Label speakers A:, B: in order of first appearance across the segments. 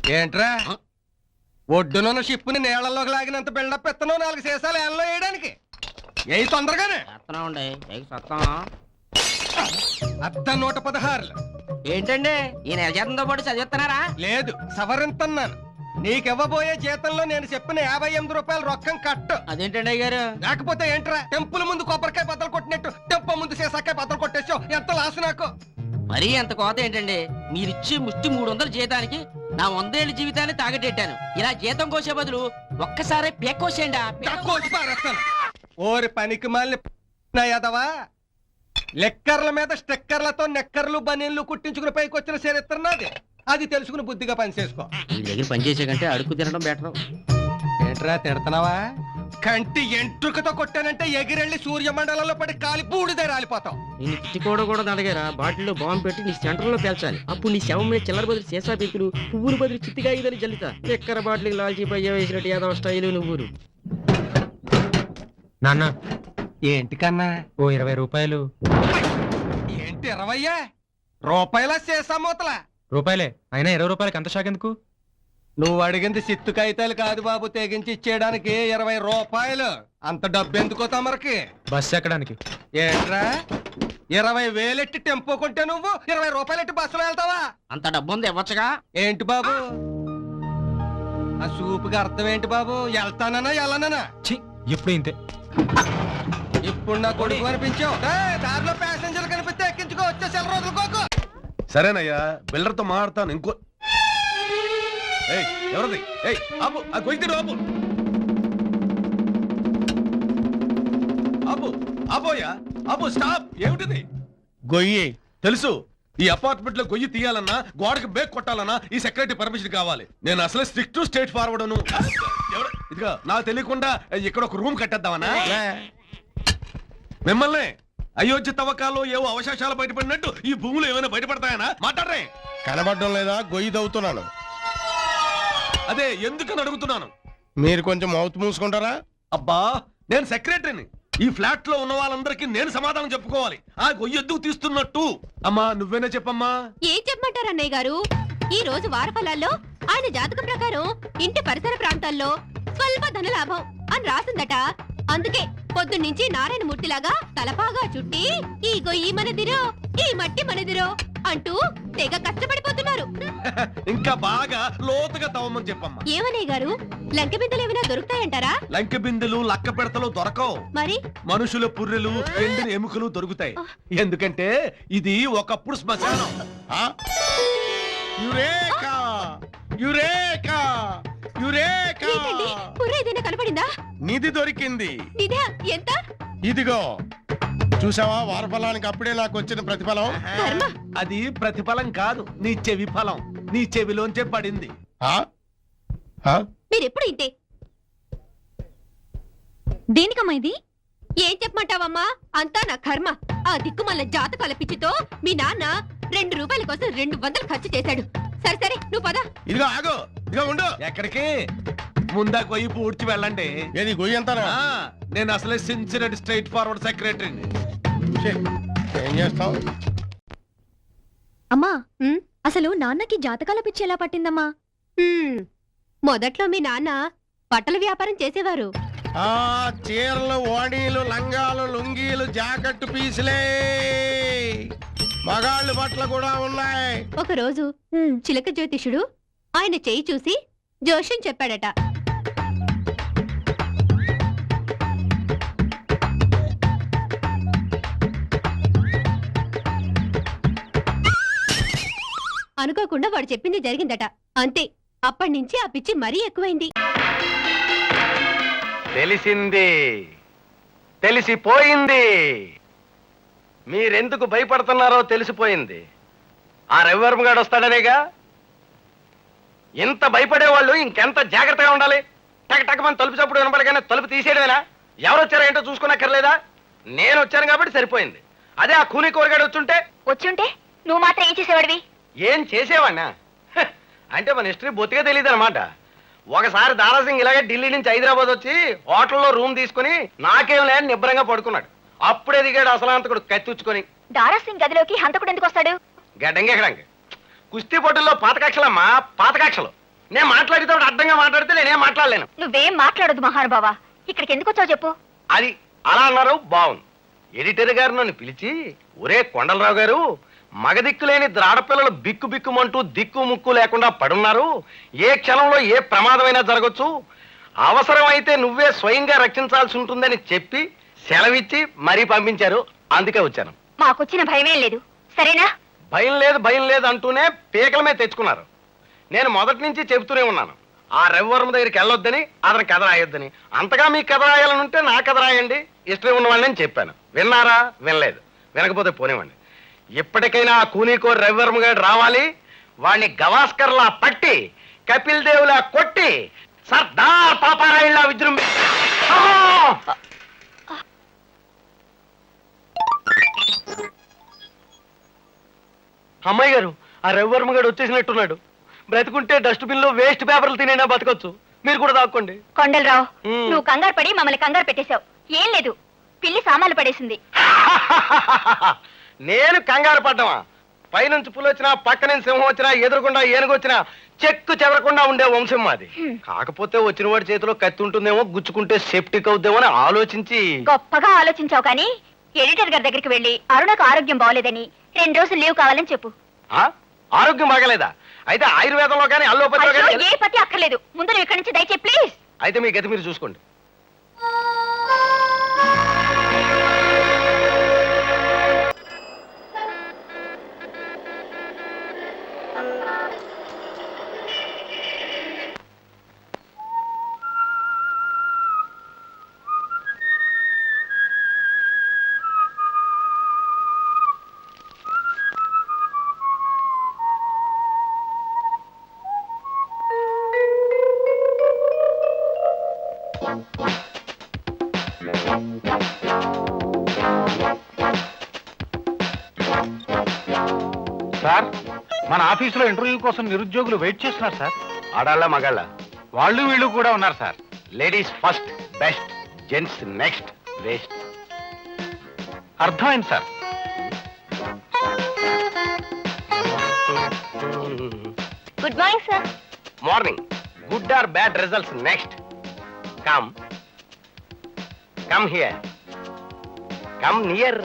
A: ఏంట్రా ఒడ్డునున్న షిప్పుని నీళ్లలోకి లాగినంత బిల్డప్ ఎత్తనో 4 సీసాలు ఏళ్ళలో వేయడానికి ఏ తొందరగానే అర్ధ 116.
B: ఏంటండి ఈ నెల జీతంతో పాటు చదివిస్తున్నారా?
A: లేదు, సవరింతన్నాను. నీకివ్వబోయే జీతంలో నేను చెప్పిన 58 రూపాయలు రొక్కం కట్టు.
B: అదేంటండి అయ్యారు?
A: లేకపోతే ఏంట్రా టెంపుల్ ముందు కొబ్బరికాయ బద్దలు కొట్టినట్టు టెంప ముందు సీసాకాయ బద్దలు కొట్టేసావు. ఎంత లాసు నాకు.
B: మరీ ఎంత కోత ఏంటండి? మీరిచ్చి ముష్టి 300 జీతానికి నా 100 ఏళ్ళ జీవితాన్ని తాగటెట్టాను. ఇలా జీతం కోసే బదులు ఒక్కసారి పేకోసేయండి.
A: కోసి పారేస్తాను. ఓరి పనికి మాలిన యాదవా, లెక్కర్ల మీద స్టెక్కర్లతో నెక్కర్లు బనీన్లు కుట్టించుకుని పైకి వచ్చిన చరిత్ర నాది. అది తెలుసుకుని బుద్ధిగా పని చేసుకో.
B: ఈ దగ్గర పని చేసే కంటే అడుగు తినడం బెటర్.
A: ఏంట్రా తిడతావా? కంటి ఎంట్రుకతో కొట్టానంటే ఎగిరెళ్ళి సూర్యమండలంలో పడి కాలి బూడిదే రాలిపోతావు.
B: నేను తిట్టుకోవడం కూడా దండగారా. బాటిల్లో బాంబు పెట్టి నీ సెంటర్ లో పేల్చాలి. అప్పుడు నీ శవం మీద చిల్లర బదులు సీసా పీకులు, పువ్వులు బదులు చిత్తిగా ఇదని జల్లుతా. ఎక్కర బాటిల్ లాల్చి పయ్య వేసినట్టు యాదవ స్టైలు నువ్వురు.
C: నాన్న
A: ఏంటి కన్నా?
C: ఓ 20 రూపాయలు.
A: ఏంటి 20 రూపాయల సీసా మూతలా?
C: రూపాయలే అయినా 20 రూపాయలకి అంత షాక్ ఎందుకు?
A: నువ్వు అడిగింది సిత్తు కాగితాలు కాదు బాబు, తెగించి ఇచ్చేయడానికి 20 రూపాయలు. అంత డబ్బు ఎందుకో తమరికి?
C: బస్ ఎక్కడానికి.
A: ఏంట్రా 20,000 ఎట్టి టెంపో కొంటే నువ్వు 20 రూపాయలు ఎట్టి బస్సులో వెళ్తావా?
B: అంత డబ్బు ఉంది ఇవ్వచ్చుగా.
A: ఏంటి బాబు ఆ సూపుకి అర్థం ఏంటి బాబు? వెళ్తానన్నా వెళ్ళనన్నా?
C: ఛీ, ఎప్పుడు ఇంతే.
A: ఇప్పుడు నా కొడుకు అనిపించావు. దారిలో ప్యాసింజర్ కనిపిస్తే ఎక్కించుకో, వచ్చే సెల రోజులుకోకు.
D: సరేనయ్యా, బిల్డర్ తో మాట్లాడతాను. ఇంకో ఎవరది? ఆపు, ఆ గొయ్యి తీరు, ఆపు ఆపు ఆపోయా ఆపు, స్టాప్. ఏమిటిది?
E: గొయ్యి
D: తెలుసు. ఈ అపార్ట్మెంట్ లో గొయ్యి తీయాలన్నా, గోడకి బేక్ కొట్టాలన్నా ఈ సెక్రటరీ పర్మిషన్ కావాలి. నేను అసలే స్ట్రిక్ట్ స్టేట్ ఫార్వర్డ్. ఇదిగా నాకు తెలియకుండా ఇక్కడ ఒక రూమ్ కట్టేద్దామన్నా? మిమ్మల్ని అయోధ్య తవ్వకాలు ఏవో అవశేషాలు బయటపడినట్టు ఈ భూములు ఏమైనా బయటపడతాయనా? మాట్లాడరే.
E: కనబడడం లేదా? గొయ్యి తవ్వుతున్నాను.
D: అదే ఎందుకని అడుగుతున్నాను.
E: మీరు కొంచెం మౌత్ మూసుకుంటారా?
D: అబ్బా, నేను సెక్రటరీని. ఈ ఫ్లాట్ లో ఉన్న వాళ్ళందరికీ నేను సమాధానం చెప్పుకోవాలి. ఆ గొయ్యి ఎందుకు తీస్తున్నట్టు? అమ్మా నువ్వేనా చెప్పమ్మా.
F: ఏం చెప్పమంటారు అన్నయ్య గారు? ఈ రోజు వారఫలాల్లో ఆయన జాతకం ప్రకారం ఇంటి పరిసర ప్రాంతాల్లో స్వల్ప ధనలాభం అని రాసిందట. అందుకే పొద్దున్నుంచి నారాయణమూర్తిలాగా తలపాగా చుట్టి ఈ గొయ్యి మనదిరో, ఈ మట్టి మనదిరో అంటూ తెగ కష్టపడిపోతున్నారు.
D: ఇంకా బాగా లోతుగా తవ్వమని చెప్పమ్మా.
F: ఏమనే గారు, లంకె బిందెలు ఏమైనా దొరుకుతాయంటారా?
D: లంకె బిందెలు లక్క పెడతలు దొరకవు.
F: మరి
D: మనుషుల పుర్రెలు, ఎండిన ఎముకలు దొరుకుతాయి. ఎందుకంటే ఇది ఒకప్పుడు శ్మశానం.
E: Eureka eureka eureka!
F: ఏంటండి, పుర్రె ఏదైనా కనపడిందా?
E: నిధి దొరికింది.
F: నిధా? ఎంత?
E: ఇదిగో చూసావా, వారఫలానికి అప్పుడే నాకు వచ్చిన ప్రతిఫలం.
F: కర్మ.
D: అది ప్రతిఫలం కాదు, నీ చెవి ఫలం. నీ చెవిలోంచే పడింది.
F: మీరెప్పుడు ఇంతే. దేనికమ్మా ఇది? ఏం చెప్పమంటావమ్మా, అంతా నా కర్మ. ఆ దిక్కుమల్ల జాతకాల పిచ్చితో మీ నాన్న 2 రూపాయల కోసం 200 ఖర్చు చేశాడు. సరే సరే నువ్వు పద.
E: ఇదిగో ఆగు, ఇదిగో ఉండు.
D: ఎక్కడికి? ముందా గొయ్యి పూడ్చి వెళ్ళండి.
E: ఏది గొయ్యి అంతానా?
D: నేను అసలే సిన్సియర్ స్ట్రైట్ ఫార్వర్డ్ సెక్రటరీని.
E: ఏం చేస్తావు?
F: అమ్మా, అసలు నాన్నకి జాతకాల పిచ్చి ఎలా పట్టిందమ్మా? మొదట్లో మీ నాన్న బట్టల వ్యాపారం చేసేవారు.
E: చీరలు, ఓణీలు, లంగాలు, లుంగీలు, జాకెట్ పీసులే, మగాళ్ళు బట్టలు కూడా ఉన్నాయి.
F: ఒకరోజు చిలక జ్యోతిషుడు ఆయన చెయ్యి చూసి జోష్యం చెప్పాడట. అనుకోకుండా వాడు చెప్పింది జరిగిందట. అంతే, అప్పటి నుంచి ఆ పిచ్చి మరీ ఎక్కువైంది.
A: తెలిసింది, తెలిసిపోయింది. మీరెందుకు భయపడుతున్నారో తెలిసిపోయింది. ఆ రవివర్మ గారు వస్తాడనేగా. ఇంత భయపడేవాళ్ళు ఇంకెంత జాగ్రత్తగా ఉండాలి. టక్ టక్ మన తలుపు చప్పుడు వినపడగానే తలుపు తీసేయడమేనా? ఎవరు వచ్చారో ఏంటో చూసుకున్నక్కర్లేదా? నేను వచ్చాను కాబట్టి సరిపోయింది. అదే ఆ కూలీ కూరగాడు
F: వచ్చుంటే నువ్వు మాత్రం ఏం చేసేవాడివి?
A: ఏం చేసేవాడినా? అంటే మన హిస్టరీ బొత్తిగా తెలియదు అనమాట. ఒకసారి దారాసింగ్ ఇలాగే ఢిల్లీ నుంచి హైదరాబాద్ వచ్చి హోటల్లో రూమ్ తీసుకుని నాకేం లేని నిబ్బరంగా పడుకున్నాడు. అప్పుడే దిగాడు అసలాంతకుడు కత్తిచ్చుకొని.
F: దారాసింగ్ గదిలోకి హంతకుడు ఎందుకు వస్తాడు?
A: గడ్డంగెక్కడానికి కుస్తీ పోటీల్లో పాతకక్షలమ్మా, పాతకక్షలు. నేను మాట్లాడితే అడ్డంగా మాట్లాడితే నేనేం మాట్లాడలేను.
F: నువ్వేం మాట్లాడదు మహానుభావా. ఇక్కడికి ఎందుకు వచ్చావు చెప్పు.
A: అది అలా అన్నారు బాగుంది. ఎడిటర్ గారు నన్ను పిలిచి, ఒరే కొండలరావు గారు, మగదిక్కులేని ద్రాడపిల్లలు బిక్కు బిక్కుమంటూ దిక్కు ముక్కు లేకుండా పడున్నారు. ఏ క్షణంలో ఏ ప్రమాదమైనా జరగచ్చు. అవసరమైతే నువ్వే స్వయంగా రక్షించాల్సి ఉంటుందని చెప్పి సెలవిచ్చి మరీ పంపించారు. అందుకే వచ్చాను.
F: మాకొచ్చిన భయమేం లేదు, సరేనా?
A: భయం లేదు అంటూనే పీకల మీద తెచ్చుకున్నారు. నేను మొదటి నుంచి చెబుతూనే ఉన్నాను, ఆ రవివర్మ దగ్గరికి వెళ్ళొద్దని, అతని కథ రాయొద్దని. అంతగా మీ కథ రాయాలని ఉంటే నా కథ రాయండి, ఇష్టం ఉన్నవాళ్ళని చెప్పాను. విన్నారా? వినలేదు. వినకపోతే పోనివ్వండి. ఇప్పటికైనా ఆ కూనీకోరి రవివర్మ గారు రావాలి. వాడిని గవాస్కర్లా పట్టి, కపిల్ దేవులా కొట్టి, సర్దార్ పాపారాయుళ్లా విజృంభి. అమ్మాయి గారు, ఆ రవివర్మ గారు వచ్చేసినట్టున్నాడు. బ్రతుకుంటే డస్ట్బిన్ లో వేస్ట్ పేపర్లు తినైనా బతకొచ్చు. మీరు కూడా దాక్కోండి.
F: కొండలరావు,
A: మ్.
F: నువ్వు కంగారు పడి మమ్మల్ని కంగారు పెట్టేశావు. ఏం లేదు, పిల్లి సామాన్లు పడేసింది.
A: నేను కంగారు పడ్డమా? పైనుంచి పులి వచ్చినా, పక్క నుంచి సింహం వచ్చినా, ఎదురుకుండా ఏనుగు వచ్చినా చెక్కు చెదరకుండా ఉండే వంశం మాది. కాకపోతే వచ్చిన వాడి చేతిలో కత్తి ఉంటుందేమో, గుచ్చుకుంటే సెప్టిక్ అవుద్దేమో అని ఆలోచించి.
F: గొప్పగా ఆలోచించావు కానీ ఎడిటర్ గారి దగ్గరికి వెళ్ళి అరుణకు ఆరోగ్యం బాగోలేదని 2 రోజులు లీవ్ కావాలని చెప్పు.
A: ఆ? ఆరోగ్యం బాగలేదా? అయితే ఆయుర్వేదంలో కానీ అల్లోపతిలో
F: అయ్యో,
A: కానీ.
F: ఏ పతి అక్కర్లేదు, ముందు నువ్వు ఇక్కడి నుంచి దయచేయి ప్లీజ్.
A: అయితే మీ గతి మీరు చూసుకోండి.
G: సార్, మన ఆఫీసులో ఇంటర్వ్యూ కోసం నిరుద్యోగులు వెయిట్ చేస్తున్నారు సార్.
A: ఆడాళ్ళ మగాళ్ళ?
G: వాళ్ళు వీళ్ళు కూడా ఉన్నారు sir.
A: Ladies first best, gents next waste.
G: అర్థమైంది sir.
F: Good morning sir.
A: Morning. Good or bad results next. Come come here, come near.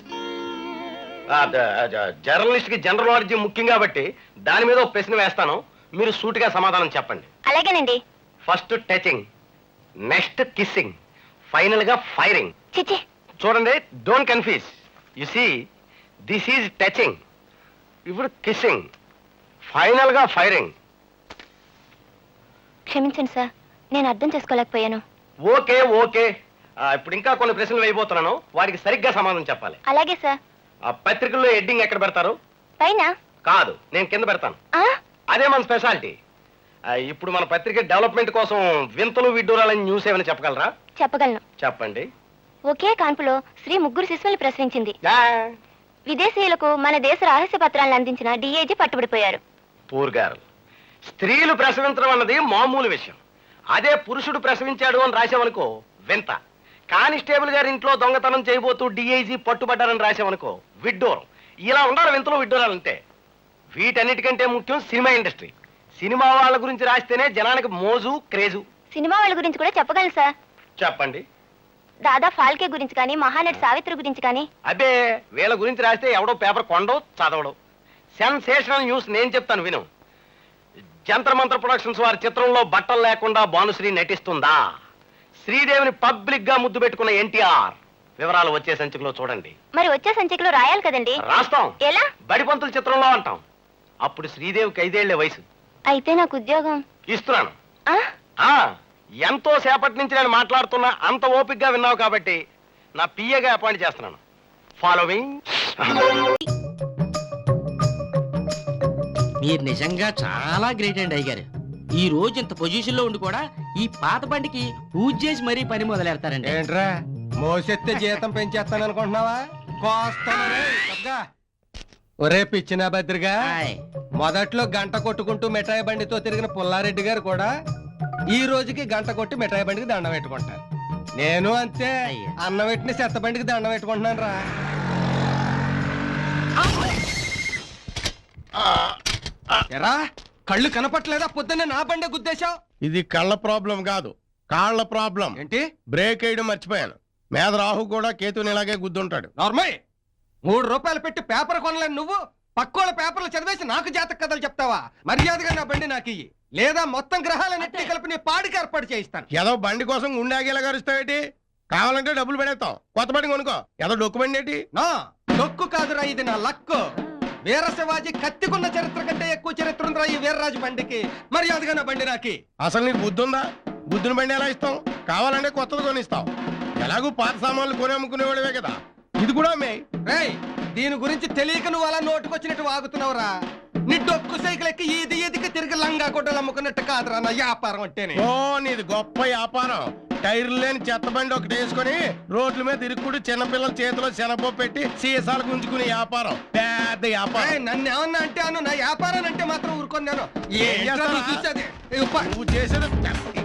A: Journalist కి జనరల్ నాలెడ్జ్ ముఖ్యం కాబట్టి దాని మీద ఒక ప్రశ్న వేస్తాను, మీరు సూటిగా సమాధానం చెప్పండి.
F: అలాగేనండి.
A: First touching, next kissing, final గా ఫైరింగ్.
F: చిచి,
A: చూడండి, don't confuse. You see, this is touching, ఇప్పుడు కిస్సింగ్, ఫైనల్ గా ఫైరింగ్.
F: క్షమించండి సార్, నేను అర్థం చేసుకోలేకపోయాను.
A: Okay okay. ఇప్పుడు ఇంకా కొన్ని ప్రశ్నలు వేయబోతున్నాను, వాటికి సరిగ్గా సమాధానం చెప్పాలి.
F: అలాగే సార్.
A: ఆ పత్రికల్లో హెడ్డింగ్ ఎక్కడ పెడతారు?
F: పైన.
A: కాదు, నేను కింద పెడతాను.
F: ఆ?
A: అదే మన స్పెషాలిటీ. ఇప్పుడు మన పత్రిక డెవలప్మెంట్ కోసం వింతలు విడ్డూరాలని న్యూస్ ఏమైనా చెప్పగలరా?
F: చెప్పగలను.
A: చెప్పండి.
F: ఒకే కాన్పులో స్త్రీ 3 శిశువులు ప్రసవించింది.
A: ఆ,
F: విదేశీయులకు మన దేశ రహస్య పత్రాలను అందించిన డిఐజీ పట్టుబడిపోయారు.
A: Poor girl. స్త్రీలు ప్రసవించడం అన్నది మామూలు విషయం. అదే పురుషుడు ప్రసవించాడు అని రాసామనుకో వింత. కానిస్టేబుల్ గారి ఇంట్లో దొంగతనం చేయబోతూ డిఐజీ పట్టుబడ్డారని రాసామనుకో విడ్డూరం. ఇలా ఉండాలి వింతలు విడ్డూరాలంటే. వీటన్నిటికంటే ముఖ్యం సినిమా ఇండస్ట్రీ. సినిమా వాళ్ళ గురించి రాస్తేనే జనానికి మోజు క్రేజు.
F: సినిమా వాళ్ళ గురించి కూడా చెప్పగలను సార్.
A: చెప్పండి.
F: దాదా ఫాల్కే గురించి కానీ, మహానటి సావిత్రి గురించి కానీ.
A: అబ్బే, వీళ్ళ గురించి రాస్తే ఎవడో పేపర్ కొండో చదవడు. సెన్సేషనల్ న్యూస్ నేను చెప్తాను విను. జంతర్ మంతర్ ప్రొడక్షన్స్ వారి చిత్రంలో బట్టలు లేకుండా భానుశ్రీ నటిస్తుందా? శ్రీదేవిని పబ్లిక్ గా ముద్దు పెట్టుకున్న ఎన్టీఆర్. వివరాలు వచ్చే సంచికలో చూడండి.
F: మరి వచ్చే సంచికలో రాయాలి కదండి.
A: రాస్తాం.
F: ఎలా?
A: బడిపంతుల చిత్రంలో అంటాం. అప్పుడు శ్రీదేవికి 5 ఏళ్ల వయసు.
F: అయితే నాకు ఉద్యోగం
A: ఇస్తున్నాను.
F: ఆ?
A: ఆ, ఎంతో సేపటి నుంచి నేను మాట్లాడుతున్నా, అంత ఓపిక్ గా విన్నావు కాబట్టి నా పిఏగా అపాయింట్ చేస్తున్నాను. ఫాలోవింగ్.
B: మీరు నిజంగా చాలా గ్రేట్ అండి అయ్యగారు. ఈ రోజు ఇంత పొజిషన్ లో ఉండి కూడా ఈ పాత బండికి పూజ చేసి మరీ పని మొదలెడతారండి.
E: ఏంట్రా మోసెత్తే జీతం పెంచేస్తాను అనుకుంటున్నావా? ఒరే పిచ్చిన భద్రిగా,
B: హాయ్.
E: మొదట్లో గంట కొట్టుకుంటూ మిఠాయి బండితో తిరిగిన పుల్లారెడ్డి గారు కూడా ఈ రోజుకి గంట కొట్టి మిఠాయి బండికి దండం పెట్టుకుంటారు. నేను అంతే,
B: అయ్యో.
E: అన్నం పెట్టిన చెత్త బండికి దండం పెట్టుకుంటున్నాను రా. ఎరా కళ్ళు కనపట్లేదా? పొద్దున్నే నా బండే గుద్దేశావు
H: ఇది కళ్ళ ప్రాబ్లం కాదు, కాళ్ళ ప్రాబ్లం.
E: ఏంటి?
H: బ్రేక్ వేయడం మర్చిపోయాను. మీద రాహు కూడా కేతుని ఇలాగే గుద్దుంటాడు.
E: నార్మల్. 3 రూపాయలు పెట్టి పేపర్ కొనలేను నువ్వు పక్కోళ్ళ పేపర్లు చదివేసి నాకు జాతక కథలు చెప్తావా? మర్యాదగా నా బండి నాకు ఇయ్యి, లేదా మొత్తం గ్రహాలన్నింటినీ కలిపి నీ పాడికి ఏర్పాటు చేయిస్తాను.
H: ఏదో బండి కోసం గుండె గరుస్తావేటి? కావాలంటే డబ్బులు పెడేస్తాం, కొత్త బండి కొనుక్కో. ఏదో డొక్యుమెంట్ ఏంటి?
E: నా డొక్కు కాదురా, ఇది నా లక్కు. వీర శివాజీ కత్తికున్న చరిత్ర కంటే ఎక్కువ చరిత్ర ఉందిరా ఈ వీర్రాజు బండికి. మర్యాదగా నా బండి నాకి.
H: అసలు నీకు బుద్ధి ఉందా? బుద్ధిని బండి ఎలా ఇస్తాం? కావాలంటే కొత్తది కొనిస్తాం. ఎలాగూ పాత సామాన్లు కొని అమ్ముకునేవాడివే కదా, ఇది కూడా మే.
E: రేయ్, దీని గురించి తెలియక నువ్వు అలా నోటుకొచ్చినట్టు వాగుతున్నావురా. నీ డొక్కు సైకిల్ ఎక్కి ఈది ఈదికి తిరిగి లంగా గుడ్డలు అమ్ముకున్నట్టు కాదురా నా వ్యాపారం అంటేనే.
H: ఓ, నీది గొప్ప వ్యాపారం. టైర్లు లేని చెత్త బండి ఒకటి వేసుకొని రోడ్ల మీద తిరుగుడు చిన్నపిల్లల చేతిలో శనగపప్పు పెట్టి సీసాలు గుంజుకునే వ్యాపారం, పెద్ద వ్యాపారం.
E: నన్ను ఏమన్నా అంటే అను, నా వ్యాపారాన్ని అంటే మాత్రం ఊరుకొని నేను.
H: ఏం చేస్తావా?
E: చూసేది
H: నువ్వు చేసేది